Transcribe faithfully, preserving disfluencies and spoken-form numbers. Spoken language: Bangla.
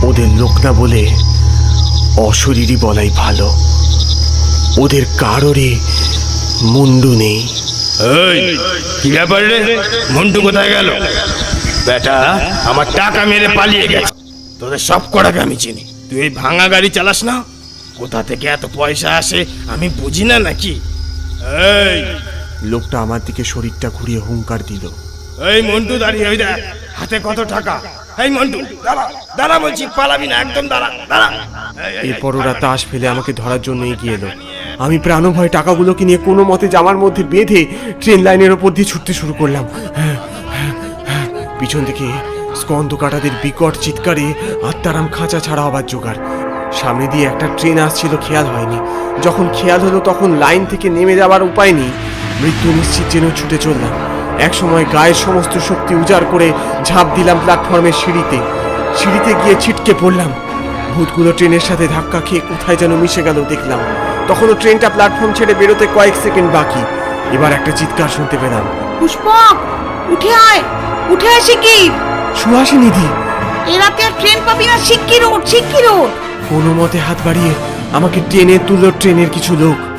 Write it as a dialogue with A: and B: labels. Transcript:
A: ওদের লোক না বলে অশরীরই বলাই ভালো। ওদের কারোরই মুন্ডু নেই।
B: কি ব্যাপার রে, মন্টু কোথায় গেল? বেটা আমার টাকা মেরে পালিয়ে গেছে। তোদের সব কটাকে আমি চিনি। তুই এই ভাঙা গাড়ি চালাস না? কোথা থেকে এত পয়সা আসে আমি বুঝি না নাকি? এই
A: লোকটা আমার দিকে শরীরটা ঘুরিয়ে হুঙ্কার দিল।
B: এই মন্টু দাঁড়িয়ে, ওই দেখ হাতে কত টাকা। এই মন্টু দাঁড়া, দাঁড়া বলছি, পালাবি না, একদম দাঁড়া, দাঁড়া।
A: এরপর ওরা তাস ফেলে আমাকে ধরার জন্য এগিয়ে এলো। আমি প্রাণভয় টাকাগুলোকে নিয়ে কোনো মতে জামার মধ্যে বেঁধে ট্রেন লাইনের ওপর দিয়ে ছুটতে শুরু করলাম। পিছন থেকে স্কন্দ কাটাদের বিকট চিৎকারে আত্মারাম খাঁচা ছাড়া হবার জোগাড়। সামনে দিয়ে একটা ট্রেন আসছিল, খেয়াল হয়নি। যখন খেয়াল হলো তখন লাইন থেকে নেমে যাওয়ার উপায় নেই। মৃত্যু নিশ্চিত যেন ছুটে চললাম। এক সময় গায়ের সমস্ত শক্তি উজাড় করে ঝাঁপ দিলাম প্ল্যাটফর্মের সিঁড়িতে। সিঁড়িতে গিয়ে ছিটকে পড়লাম। ভূতগুলো ট্রেনের সাথে ধাক্কা খেয়ে কোথায় যেন মিশে গেল দেখলাম। তখনও ট্রেনটা প্ল্যাটফর্ম ছেড়ে বেরোতে কয়েক সেকেন্ড বাকি। এবার একটা চিৎকার শুনতে পেলাম।
C: পুষ্পক, উঠে আয়, উঠে আয় শিগগির।
A: সুহাসিনীদি!
C: এ রাতে আর ট্রেন পাবি না, শিগগির ওঠ, শিগগির ওঠ।
A: কোনো মতে হাত বাড়িয়ে আমাকে টেনে তুলল ট্রেনের কিছু লোক।